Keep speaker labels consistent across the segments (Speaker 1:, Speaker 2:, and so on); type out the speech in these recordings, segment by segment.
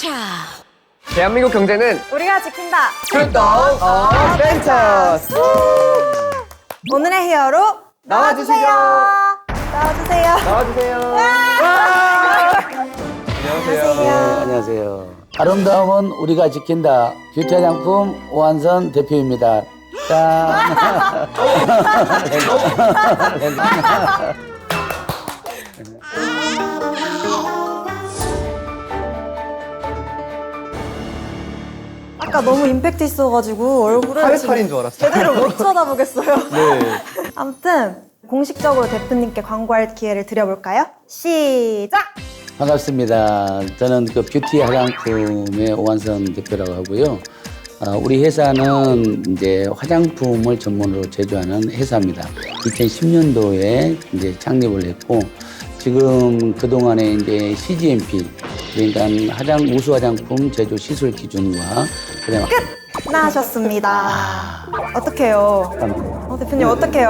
Speaker 1: 대한민국 경제는
Speaker 2: 우리가 지킨다.
Speaker 1: 출동 벤처스.
Speaker 2: 오늘의 히어로
Speaker 1: 나와주시죠.
Speaker 2: 나와주세요.
Speaker 1: 나와주세요. 안녕하세요.
Speaker 3: 안녕하세요. 아름다움은 우리가 지킨다. 뷰티 화장품 오한선 대표입니다. 짠.
Speaker 2: 아까 너무 임팩트 있어가지고 얼굴을
Speaker 1: 파리파리인 줄 알았어.
Speaker 2: 제대로 못 쳐다보겠어요.
Speaker 1: 네.
Speaker 2: 아무튼 공식적으로 대표님께 광고할 기회를 드려볼까요? 시작!
Speaker 3: 반갑습니다. 저는 그 뷰티 화장품의 오한선 대표라고 하고요. 우리 회사는 이제 화장품을 전문으로 제조하는 회사입니다. 2010년도에 이제 창립을 했고, 지금 그동안에 이제 CGMP, 그러니까 우수 화장품 제조 시술 기준과 그다음에
Speaker 2: 끝나셨습니다. 어떡해요? 대표님 어떡해요?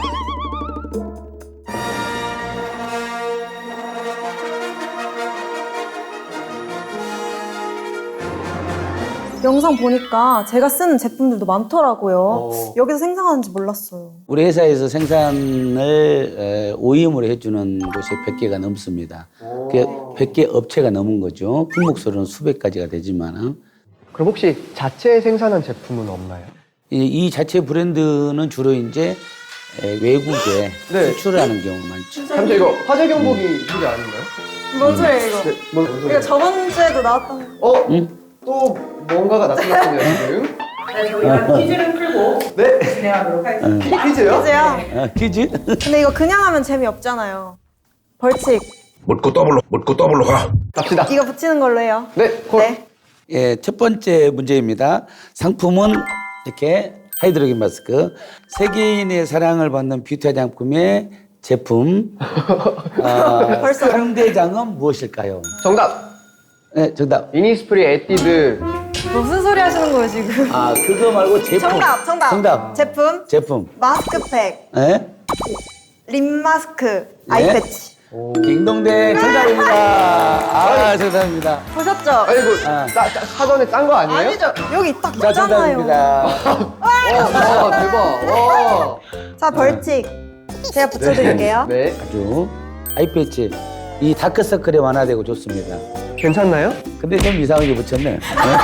Speaker 2: 영상 보니까 제가 쓰는 제품들도 많더라고요. 여기서 생산하는지 몰랐어요.
Speaker 3: 우리 회사에서 생산을 OEM으로 해주는 곳이 100개가 넘습니다. 그게 100개 업체가 넘은 거죠. 품목수로는 수백 가지가 되지만
Speaker 1: 그럼 혹시 자체 생산한 제품은 없나요?
Speaker 3: 이 자체 브랜드는 주로 이제 외국에
Speaker 1: 네.
Speaker 3: 수출을 하는 경우가 많죠.
Speaker 1: 잠시 이거 화재 경보기 소리 아닌가요?
Speaker 2: 뭔 소리예요 이거?
Speaker 1: 네, 뭔 소리예요?
Speaker 2: 이거 저번 주에도 나왔던
Speaker 1: 또 뭔가가 나타났군요 지금.
Speaker 4: 네, 저희가 퀴즈를 풀고
Speaker 1: 네.
Speaker 4: 진행하도록 하겠습니다.
Speaker 1: 퀴즈요?
Speaker 2: 퀴즈요?
Speaker 3: 퀴즈?
Speaker 2: 근데 이거 그냥 하면 재미없잖아요. 벌칙
Speaker 5: 묻고 더블로 가.
Speaker 1: 갑시다.
Speaker 2: 이거 붙이는 걸로 해요.
Speaker 1: 네. 콜.
Speaker 2: 네.
Speaker 3: 예, 첫 번째 문제입니다. 상품은 이렇게 하이드로겐 마스크. 세계인의 사랑을 받는 뷰티 화장품의 제품.
Speaker 2: 벌써
Speaker 3: 상대장은 무엇일까요?
Speaker 1: 정답.
Speaker 3: 네, 정답.
Speaker 1: 이니스프리 에뛰드.
Speaker 2: 무슨 소리 하시는 거예요 지금?
Speaker 3: 그거 말고 제품.
Speaker 2: 정답. 제품. 마스크팩,
Speaker 3: 예?
Speaker 2: 립 마스크, 아이
Speaker 3: 네.
Speaker 2: 패치.
Speaker 3: 딩동댕 정답입니다. 정답입니다.
Speaker 2: 보셨죠?
Speaker 1: 아니 이거 사전에 짠 거 아니에요?
Speaker 2: 아니죠. 여기 딱
Speaker 3: 자,
Speaker 2: 있잖아요.
Speaker 3: 정답입니다.
Speaker 1: 와 대박. 와.
Speaker 2: 자, 벌칙. 제가 붙여드릴게요.
Speaker 1: 네.
Speaker 3: 아주 아이패치. 이 다크서클이 완화되고 좋습니다.
Speaker 1: 괜찮나요?
Speaker 3: 근데 좀 이상하게 붙였네.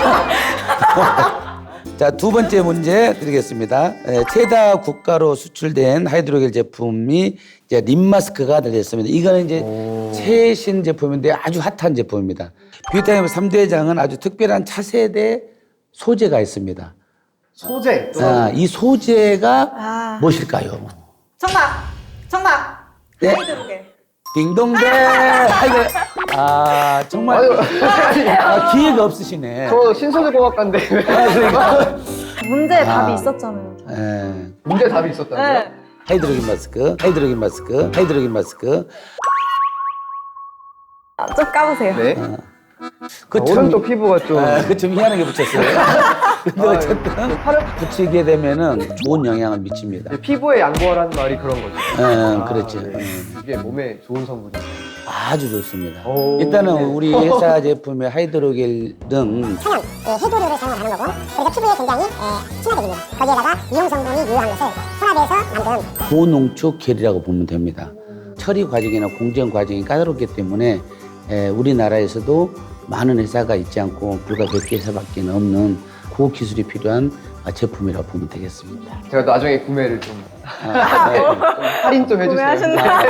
Speaker 3: 자, 두 번째 문제 드리겠습니다. 최다 국가로 수출된 하이드로겔 제품이 이제 립 마스크가 들렸습니다. 이거는 이제 최신 제품인데 아주 핫한 제품입니다. 뷰티하임 3대장은 아주 특별한 차세대 소재가 있습니다.
Speaker 1: 소재.
Speaker 3: 이 소재가 무엇일까요?
Speaker 2: 정답.
Speaker 3: 네.
Speaker 2: 하이드로겔.
Speaker 3: 딩동댕! 정말 기회가 없으시네.
Speaker 1: 저 신소재공학과인데.
Speaker 3: 그러니까.
Speaker 2: 문제에 답이 있었잖아요.
Speaker 1: 문제 답이 있었다고요?
Speaker 2: 네.
Speaker 3: 하이드로겐 마스크.
Speaker 2: 좀 까보세요.
Speaker 1: 네.
Speaker 3: 좀
Speaker 1: 오른쪽 피부가 좀.
Speaker 3: 좀 희한하게 붙였어요. 근데 어쨌든
Speaker 1: 팔을
Speaker 3: 붙이게 되면은 좋은 영향을 미칩니다.
Speaker 1: 피부에 양보하라는 말이 그런 거죠.
Speaker 3: 그렇죠.
Speaker 1: 네. 이게 몸에 좋은 성분이죠.
Speaker 3: 아주 좋습니다.
Speaker 1: 오,
Speaker 3: 일단은
Speaker 1: 네.
Speaker 3: 우리 회사 제품의 하이드로겔은
Speaker 6: 천연 해조류를 사용을 하는 거고 그래서 피부에 굉장히 친화적입니다. 거기에다가 이용 성분이 유효한 것을 혼합해서 만든
Speaker 3: 고농축 겔이라고 보면 됩니다. 처리 과정이나 공정 과정이 까다롭기 때문에 우리나라에서도 많은 회사가 있지 않고 불과 100개 회사밖에 없는 고기술이 필요한 제품이라고 보면 되겠습니다.
Speaker 1: 제가 나중에 구매를 좀 할인 좀 해주세요.
Speaker 2: 구매하셨나요?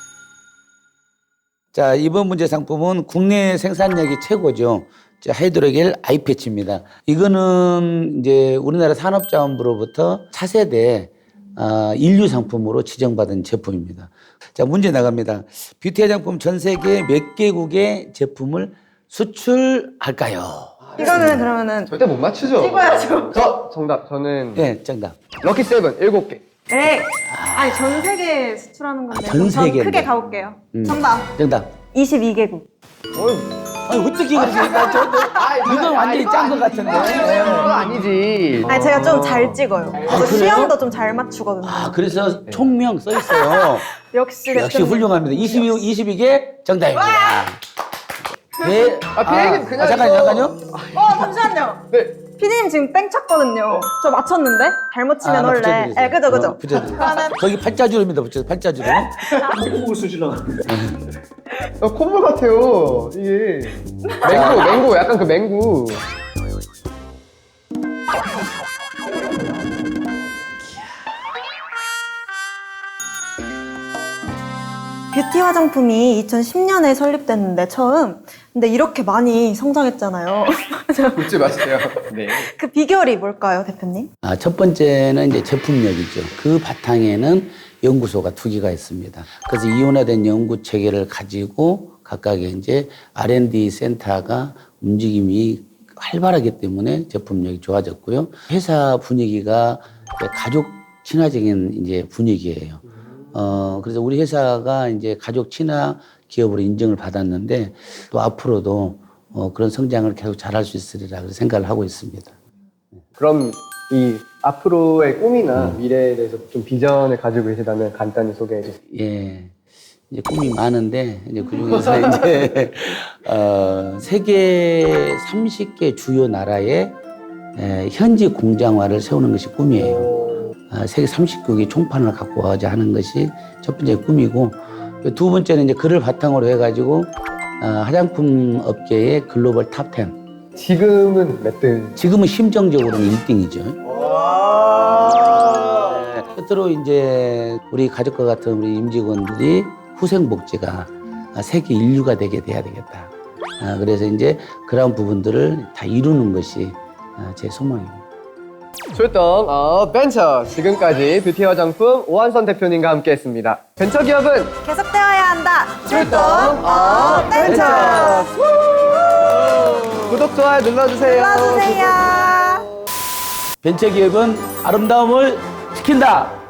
Speaker 3: 자, 이번 문제 상품은 국내 생산력이 최고죠. 하이드로겔 아이패치입니다. 이거는 이제 우리나라 산업자원부로부터 차세대 인류 상품으로 지정받은 제품입니다. 자, 문제 나갑니다. 뷰티 화장품 전 세계 몇 개국의 제품을 수출할까요?
Speaker 2: 이거는 그러면은
Speaker 1: 절대 못 맞추죠?
Speaker 2: 찍어야죠.
Speaker 1: 저 정답. 저는
Speaker 3: 네, 정답.
Speaker 1: 럭키 세븐 7개.
Speaker 2: 에이. 아니 전 세계 수출하는 건데.
Speaker 3: 전
Speaker 2: 그럼 전
Speaker 3: 세계인데.
Speaker 2: 크게 가볼게요. 정답.
Speaker 3: 정답.
Speaker 2: 22개국.
Speaker 3: 아니, 어떻게 그렇게 이건 완전히 짠 것 같은데.
Speaker 1: 그건 아니지.
Speaker 2: 아니 제가 좀 잘 찍어요. 그래서
Speaker 3: 그래요?
Speaker 2: 시험도 좀 잘 맞추거든요.
Speaker 3: 그래서 총명 써 있어요.
Speaker 2: 역시
Speaker 3: 역시
Speaker 2: 대표님.
Speaker 3: 훌륭합니다. 22개 정답입니다.
Speaker 1: 비행은 그냥
Speaker 3: 잠깐요.
Speaker 2: 잠시만요.
Speaker 1: 네.
Speaker 2: 피디님 지금 땡 쳤거든요. 저 맞췄는데? 잘못 치면
Speaker 3: 나
Speaker 2: 원래.
Speaker 3: 붙여드리세요.
Speaker 2: 네, 그죠.
Speaker 3: 붙여드리세요.
Speaker 2: 그러면
Speaker 3: 거기 팔자주름입니다. 팔자주름.
Speaker 1: 콧물 같아요. 이게 맹구 약간 그 맹구.
Speaker 2: 뷰티 화장품이 2010년에 설립됐는데 처음. 근데 이렇게 많이 성장했잖아요.
Speaker 1: 웃지 마세요. 네.
Speaker 2: 그 비결이 뭘까요, 대표님?
Speaker 3: 첫 번째는 이제 제품력이죠. 그 바탕에는 연구소가 2개가 있습니다. 그래서 이원화된 연구 체계를 가지고 각각의 이제 R&D 센터가 움직임이 활발하기 때문에 제품력이 좋아졌고요. 회사 분위기가 이제 가족 친화적인 이제 분위기예요. 그래서 우리 회사가 이제 가족 친화 기업으로 인정을 받았는데 또 앞으로도 그런 성장을 계속 잘할 수 있으리라 생각을 하고 있습니다.
Speaker 1: 그럼 이 앞으로의 꿈이나 미래에 대해서 좀 비전을 가지고 계시다면 간단히 소개해 주세요.
Speaker 3: 예. 이제 꿈이 많은데, 이제 그 중에서 이제, 세계 30개 주요 나라에 현지 공장화를 세우는 것이 꿈이에요. 세계 39개 총판을 갖고 와서 하는 것이 첫 번째 꿈이고, 두 번째는 이제 그를 바탕으로 해가지고, 화장품 업계의 글로벌 탑 10.
Speaker 1: 지금은 몇 등?
Speaker 3: 지금은 심정적으로는 1등이죠. 끝으로 이제 우리 가족과 같은 우리 임직원들이 후생복지가 세계 인류가 되게 돼야 되겠다. 그래서 이제 그런 부분들을 다 이루는 것이 제 소망입니다.
Speaker 1: 출동 벤처 지금까지 뷰티 화장품 오한선 대표님과 함께했습니다. 벤처 기업은
Speaker 2: 계속되어야 한다. 출동 벤처.
Speaker 1: 구독 좋아요 눌러주세요.
Speaker 2: 눌러주세요.
Speaker 3: 벤처기업은 아름다움을 지킨다.